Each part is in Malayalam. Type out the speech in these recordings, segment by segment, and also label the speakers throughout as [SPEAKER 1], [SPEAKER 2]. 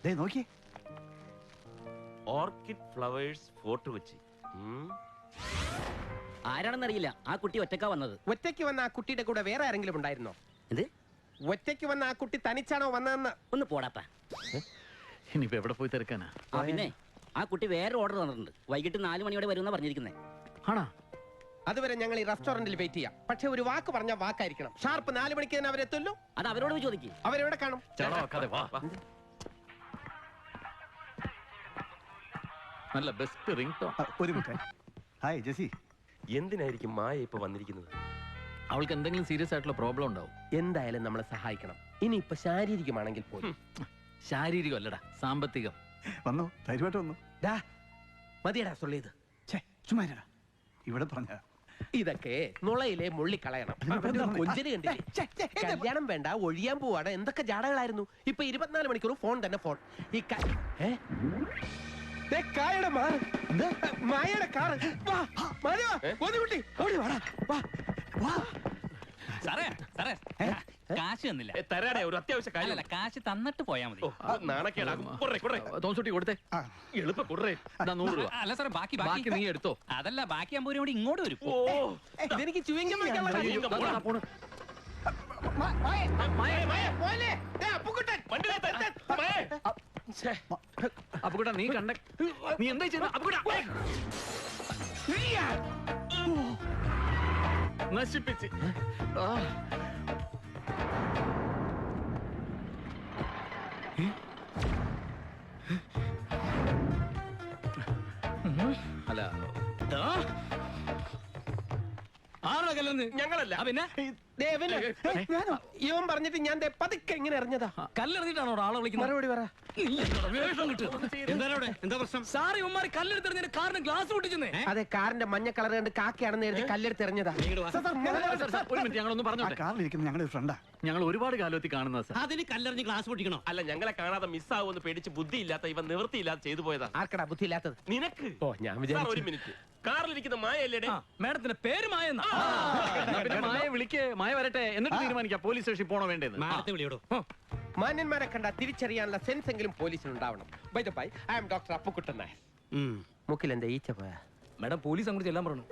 [SPEAKER 1] നോക്കി
[SPEAKER 2] ഓർക്കിഡ് ഫ്ലവേഴ്സ് ഫോർട്ട് കൊച്ചി.
[SPEAKER 3] ആരാണെന്നറിയില്ല. ആ കുട്ടി ഒറ്റക്കാ വന്നത്.
[SPEAKER 4] ഒറ്റയ്ക്ക് വന്ന ആ കുട്ടിയുടെ കൂടെ വേറെ ആരെങ്കിലും ഉണ്ടായിരുന്നോ?
[SPEAKER 3] എന്ത്?
[SPEAKER 4] ഒറ്റയ്ക്ക് വന്ന ആ കുട്ടി തനിച്ചാണോ വന്നതെന്ന്?
[SPEAKER 3] ഒന്ന് പോടാപ്പാ.
[SPEAKER 1] ഇനിയിപ്പോ എവിടെ പോയി തിരക്കാനാ?
[SPEAKER 3] പിന്നെ ആ കുട്ടി വേറെ ഓർഡർ തന്നിട്ടുണ്ട്. വൈകിട്ട് 4 മണിയോടെ വരുമെന്നാ പറഞ്ഞിരിക്കുന്നത്.
[SPEAKER 1] ആണോ?
[SPEAKER 4] അതുവരെ ഞങ്ങൾ ഈ റെസ്റ്റോറന്റിൽ വെയിറ്റ് ചെയ്യാം. പക്ഷെ ഒരു വാക്ക് പറഞ്ഞ വാക്കായിരിക്കണം. ഷാർപ്പ് 4 മണിക്ക് തന്നെ അവരെത്തുമല്ലോ.
[SPEAKER 3] അത് അവരോട് ചോദിക്കും.
[SPEAKER 4] അവരെവിടെ കാണും?
[SPEAKER 1] നല്ല ബെസ്റ്റ് റിംഗ് ടോൺ. ഒരു മിനിറ്റ്. ഹായ് ജെസി.
[SPEAKER 2] എന്തിനായിരിക്കും മായ ഇപ്പൊ വന്നിരിക്കുന്നത്?
[SPEAKER 1] അവൾക്ക് എന്തെങ്കിലും സീരിയസ് ആയിട്ടുള്ള പ്രോബ്ലം ഉണ്ടാവും.
[SPEAKER 4] എന്തായാലും നമ്മളെ സഹായിക്കണം. ഇനി ഇപ്പൊ ശാരീരികമാണെങ്കിൽ പോലും.
[SPEAKER 1] ശാരീരികം അല്ലടാ, സാമ്പത്തികം.
[SPEAKER 5] വന്നു, ധൈര്യമായിട്ട് വന്നു.
[SPEAKER 4] മതിയടാ സൊല്ലിയത്.
[SPEAKER 5] ചുമ്മാ ഇവിടെ പറഞ്ഞ
[SPEAKER 4] ഇതൊക്കെ നുളയിലെ മുള്ളി കളയണം. കൊഞ്ചിന് കണ്ടില്ലേ? കല്യാണം വേണ്ട, ഒഴിയാൻ പോവാണ്. എന്തൊക്കെ ജാടകളായിരുന്നു. ഇപ്പൊ 24 മണിക്കൂർ ഫോൺ തന്നെ ഫോൺ. ഈ മായയുടെ കാറ്.
[SPEAKER 6] കാശ് തന്നില്ല.
[SPEAKER 2] തരാടേ, ഒരു അത്യാവശ്യ കാര്യം.
[SPEAKER 6] കാശ് തന്നിട്ട് പോയാ മതി.
[SPEAKER 2] നാണക്കേടാകും.
[SPEAKER 1] തോൺസുട്ടി കൊടുത്തേ.
[SPEAKER 2] എളുപ്പം കൊടുറേ.
[SPEAKER 1] 100 രൂപ.
[SPEAKER 6] അല്ല സാറേ, ബാക്കി
[SPEAKER 1] നീ എടുത്തോ.
[SPEAKER 6] അതല്ല, ബാക്കി 50 രൂപ കൂടി ഇങ്ങോട്ട് വരും.
[SPEAKER 4] ഇതെനിക്ക് ചുവങ്ങ
[SPEAKER 1] അപ്പുകുട്ടാ, നീ കണ്ട നീ എന്താ ചെയ്ത? നശിപ്പിച്ച്. അല്ല,
[SPEAKER 2] ഞങ്ങളല്ല.
[SPEAKER 6] പിന്നെ
[SPEAKER 4] ഇവൻ പറഞ്ഞിട്ട് ഞാൻ പതുക്കെ ഇങ്ങനെ എറിഞ്ഞതാ.
[SPEAKER 6] കല്ലെറിഞ്ഞിട്ടാണോ ആളെ വിളിക്കുന്നത്?
[SPEAKER 4] മറുപടി പറ.
[SPEAKER 6] എന്താ പ്രശ്നം? സാറി ഉമ്മാരി കല്ലെടുത്തെറിഞ്ഞ കാറിന് ഗ്ലാസ് പൊട്ടിച്ചെന്നേ.
[SPEAKER 4] അതെ, കാറിന്റെ മഞ്ഞ കളർ കണ്ട് കാക്കയാണെന്ന് എഴുതി കല്ലെടുത്തെറിഞ്ഞതാ.
[SPEAKER 1] ഒരു മിനിറ്റ്, ഞങ്ങളൊന്ന് പറഞ്ഞോട്ടെ.
[SPEAKER 5] കാറിലിരിക്കുന്ന ഞങ്ങളുടെ ഫ്രണ്ടാ.
[SPEAKER 1] ഞങ്ങൾ ഒരുപാട് കാലത്തിൽ കാണുന്നത് സാർ.
[SPEAKER 6] അതിന് കല്ലെറിഞ്ഞ് ഗ്ലാസ് പൊട്ടിക്കണോ?
[SPEAKER 2] അല്ല, ഞങ്ങളെ കാണാതെ മിസ്സാവുമെന്ന് പേടിച്ച് ബുദ്ധിയില്ലാത്ത ഇവൻ നിവൃത്തിയില്ലാതെ ചെയ്തു പോയതാ.
[SPEAKER 4] ആർക്കടാ ബുദ്ധി ഇല്ലാത്തത്?
[SPEAKER 2] നിനക്ക്.
[SPEAKER 4] ഓ, ഞാൻ
[SPEAKER 2] സാർ,
[SPEAKER 4] വിചാരിച്ചു.
[SPEAKER 2] ഒരു മിനിറ്റ്. കാറിലിരിക്കുന്ന മായല്ലേ?
[SPEAKER 6] മാഡത്തിന്റെ പേര് മായെന്നാ.
[SPEAKER 1] മായ വിളിക്ക്, മായ വരട്ടെ, എന്നിട്ട് തീരുമാനിക്കാം പോലീസ് സ്റ്റേഷനിൽ പോണോ വേണ്ടത്.
[SPEAKER 6] മാഡത്തെ വിളിയോടോ.
[SPEAKER 4] മാന്യന്മാരെ കണ്ട തിരിച്ചറിയാനുള്ള സെൻസ് എങ്കിലും പോലീസിന് ഉണ്ടാവണം. By the by, I am doctor Appukuttan Nair. മുക്കിൽ എന്താ ഈച്ച പോയാ?
[SPEAKER 6] മാഡം പോലീസ് അങ്ങോട്ട് ചെല്ലാൻ പറഞ്ഞു.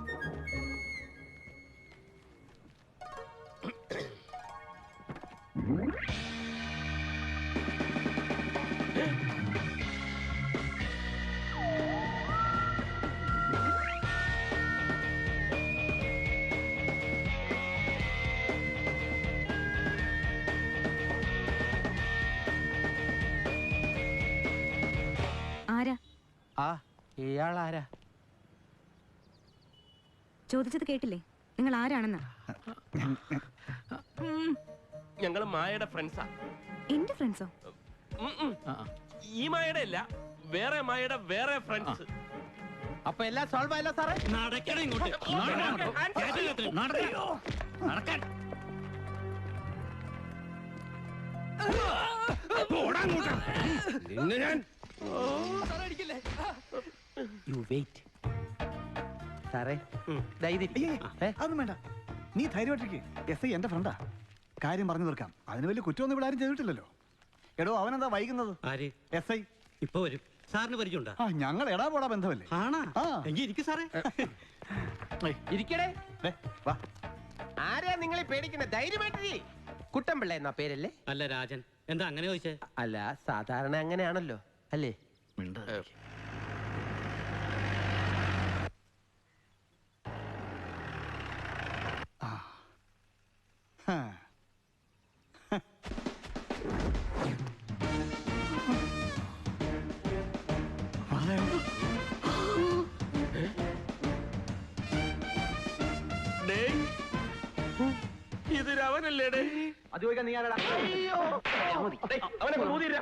[SPEAKER 4] ഇയാളാരാ?
[SPEAKER 7] ചോദിച്ചത് കേട്ടില്ലേ? നിങ്ങൾ ആരാണെന്ന്?
[SPEAKER 2] ഞങ്ങള് മായയുടെ ഫ്രണ്ട്സാ.
[SPEAKER 7] എന്റെ ഫ്രണ്ട്സോ?
[SPEAKER 2] ഈ മായയുടെ അല്ല, വേറെ മായയുടെ വേറെ ഫ്രണ്ട്സ്.
[SPEAKER 4] അപ്പൊ എല്ലാം സോൾവ് ആയല്ലോ സാറേ?
[SPEAKER 6] നടക്കണം ഇങ്ങോട്ട്. നടക്കാൻ.
[SPEAKER 4] You wait. സാറേ,
[SPEAKER 5] അതൊന്നും വേണ്ട, നീ ധൈര്യമായിട്ടിരിക്കെ. എസ് ഐ എന്റെ ഫ്രണ്ടാ, കാര്യം പറഞ്ഞു തീർക്കാം. അതിന് വലിയ കുറ്റമൊന്നും ഇവിടെ ആരും ചെയ്തിട്ടില്ലല്ലോ. എടോ, അവനെന്താ വൈകുന്നത്? എസ് ഐ
[SPEAKER 6] ഇപ്പൊ വരും. സാറിന് പരിചയമുണ്ടോ?
[SPEAKER 5] ഞങ്ങൾ എടാ പോടാ ബന്ധമല്ലേ?
[SPEAKER 6] സാറേ
[SPEAKER 4] ഇരിക്കടേ.
[SPEAKER 5] വാ.
[SPEAKER 4] ആരെയാ നിങ്ങളെ പേടിക്കണേ? ധൈര്യമായിട്ടിരി. കുട്ടൻപിള്ള എന്നാ പേരല്ലേ?
[SPEAKER 6] അല്ല, രാജൻ. എന്താ അങ്ങനെ ചോദിച്ചേ?
[SPEAKER 4] അല്ല, സാധാരണ അങ്ങനെയാണല്ലോ അല്ലേ?
[SPEAKER 2] ഇത് രവനല്ലേ?
[SPEAKER 3] അത് ചോദിക്കാൻ നീ ആരാടാ?
[SPEAKER 2] അവനെ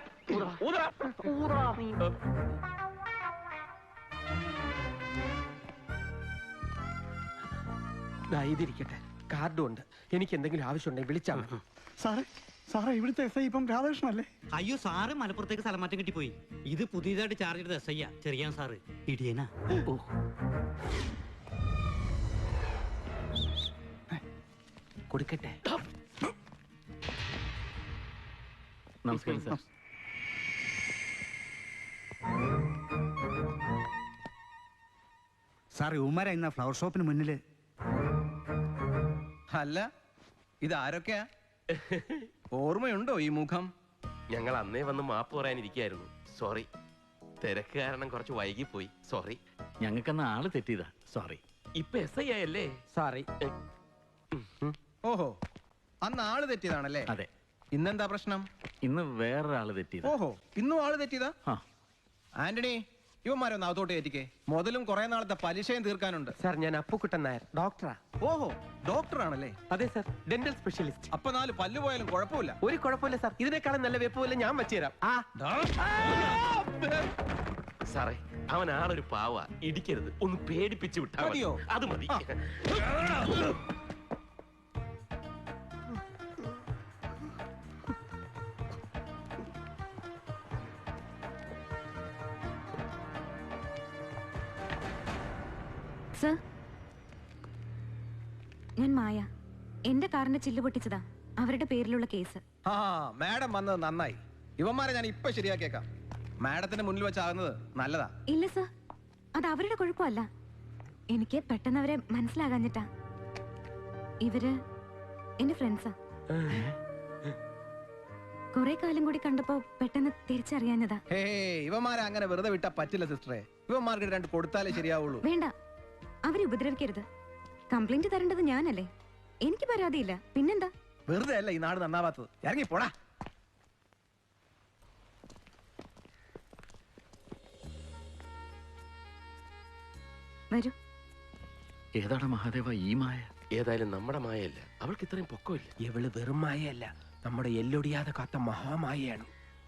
[SPEAKER 4] ഇതിരിക്കട്ടെ, കാർഡും ഉണ്ട്. എനിക്ക് എന്തെങ്കിലും ആവശ്യമുണ്ടെങ്കിൽ വിളിച്ചാൽ മതി.
[SPEAKER 5] സാറേ, ഇവിടുത്തെ എസ് ഐ ഇപ്പം രാധാകൃഷ്ണല്ലേ?
[SPEAKER 6] അയ്യോ, സാറ് മലപ്പുറത്തേക്ക് സ്ഥലം മാറ്റം കിട്ടിപ്പോയി. ഇത് പുതിയതായിട്ട് ചാർജ് ചെയ്തത് എസ് ഐ ചെറിയാൻ സാറ്. ഇടിയനാ.
[SPEAKER 4] കൊടുക്കട്ടെ.
[SPEAKER 1] നമസ്കാരം സാർ.
[SPEAKER 5] സാർ ഉമ്മര ഇന്ന ഫ്ലവർ ഷോപ്പിന് മുന്നില്.
[SPEAKER 8] അല്ല ഇതാരൊക്കെയാ? ഓർമ്മയുണ്ടോ ഈ മുഖം?
[SPEAKER 2] ഞങ്ങൾ അന്നേ വന്ന് മാപ്പ് പറയാനിരിക്കായിരുന്നു. സോറി, തിരക്ക് കാരണം കുറച്ച് വൈകി പോയി. സോറി.
[SPEAKER 1] ഞങ്ങൾക്കെന്ന ആള് തെറ്റിയതാ. സോറി.
[SPEAKER 2] ഇപ്പൊ SI ആയല്ലേ?
[SPEAKER 4] സോറി.
[SPEAKER 8] ഓഹോ, അന്ന് ആള് തെറ്റിയതാണല്ലേ?
[SPEAKER 1] അതെ.
[SPEAKER 8] ഇന്നെന്താ പ്രശ്നം?
[SPEAKER 1] ഇന്ന് വേറൊരാള് തെറ്റിയതാ.
[SPEAKER 8] ഓഹോ, ഇന്നും ആള് തെറ്റിയതാ?
[SPEAKER 1] ആ.
[SPEAKER 8] ആന്റണി, ഇവന്മാരൊന്ന് അകത്തോട്ട് കയറ്റിക്കേ. മുതലും കുറെ നാളത്തെ പലിശയും തീർക്കാനുണ്ട്.
[SPEAKER 4] സാർ ഞാൻ അപ്പുക്കുട്ടൻ നായർ, ഡോക്ടറാ.
[SPEAKER 8] ഓഹോ, ഡോക്ടറാണല്ലേ?
[SPEAKER 4] അതെ സാർ, ഡെന്റൽ സ്പെഷ്യലിസ്റ്റ്.
[SPEAKER 8] അപ്പൊ 4 പല്ല് പോയാലും കുഴപ്പമില്ല.
[SPEAKER 4] ഒരു കുഴപ്പമില്ല സാർ, ഇതിനേക്കാളും നല്ല വെപ്പ് പോലെ ഞാൻ വെച്ചുതരാം.
[SPEAKER 2] സാറേ, അവൻ ആളൊരു പാവ. ഇടിക്കരുത്, ഒന്ന് പേടിപ്പിച്ചു വിട്ടാ മതി.
[SPEAKER 8] മതിയോ?
[SPEAKER 2] അത് മതി.
[SPEAKER 7] സർ, ഞാൻ മായ. എന്റെ കാറിന്റെ ചില്ല് പൊട്ടിച്ചതാ അവരുടെ പേരിലുള്ള കേസ്.
[SPEAKER 8] ആ, മാഡം വന്നത് നന്നായി. ഇവന്മാരെ ഞാൻ ഇപ്പൊ ശരിയാക്കിയേക്കാം. മാഡത്തിന്റെ മുന്നിൽ വെച്ചാകുന്നത് നല്ലതാ.
[SPEAKER 7] ഇല്ല സർ, അത് അവരുടെ കുഴപ്പമല്ല. എനിക്ക് പെട്ടെന്ന് അവരെ മനസ്സിലാകാഞ്ഞിട്ടാ. ഇവര് എന്റെ ഫ്രണ്ട്സാ. കുറെ കാലം കൂടി കണ്ടപ്പോ പെട്ടെന്ന് തിരിച്ചറിയാഞ്ഞതാ.
[SPEAKER 8] ഹേ, ഇവന്മാരെ അങ്ങനെ വെറുതെ വിട്ടാ പറ്റില്ല സിസ്റ്ററെ. ഇവന്മാർക്ക് 2 കൊടുത്താലേ ശരിയാവുള്ളൂ.
[SPEAKER 7] വേണ്ട, അവരെ ഉപദ്രവിക്കരുത്. കംപ്ലൈന്റ് തരേണ്ടത് ഞാനല്ലേ. എനിക്ക് പരാതിയില്ല, പിന്നെന്താ?
[SPEAKER 8] വെറുതെ അല്ല ഈ നാട് നന്നാവാത്തത്. ഇറങ്ങി പോടാ.
[SPEAKER 7] വരൂ.
[SPEAKER 1] ഏതാണ് മഹാദേവ ഈ മായ?
[SPEAKER 2] ഏതായാലും നമ്മുടെ മായല്ല. അവൾക്ക് ഇത്രയും പൊക്കമില്ല.
[SPEAKER 4] ഇവള് വെറും മായയല്ല, നമ്മുടെ എല്ലൊടിയാതെ കാത്ത മഹാമായയാണ്.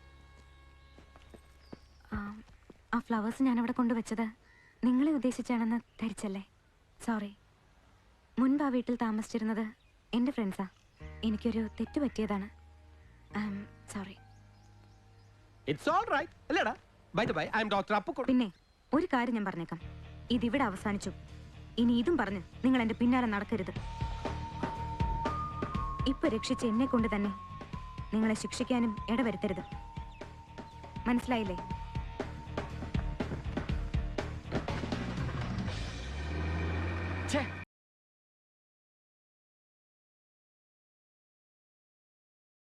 [SPEAKER 7] ആ ഫ്ലവേഴ്സ് ഞാൻ അവിടെ കൊണ്ടുവച്ചത് നിങ്ങളെ ഉദ്ദേശിച്ചാണെന്ന് ധരിച്ചല്ലേ? സോറി. മുൻപ് ആ വീട്ടിൽ താമസിച്ചിരുന്നത് എന്റെ ഫ്രണ്ട്സാ. എനിക്കൊരു തെറ്റ് പറ്റിയതാണ്. സോറി.
[SPEAKER 4] ഇറ്റ്സ് ഓൾ റൈറ്റ് അല്ലേടാ? By the by, I am doctor Appukuttan.
[SPEAKER 7] പിന്നെ ഒരു കാര്യം ഞാൻ പറഞ്ഞേക്കാം, ഇതിവിടെ അവസാനിച്ചു. ഇനി ഇതും പറഞ്ഞ് നിങ്ങൾ എന്റെ പിന്നാലെ നടക്കരുത്. ഇപ്പൊ രക്ഷിച്ച എന്നെ കൊണ്ട് തന്നെ നിങ്ങളെ ശിക്ഷിക്കാനും ഇടവരുത്തരുത്. മനസ്സിലായില്ലേ?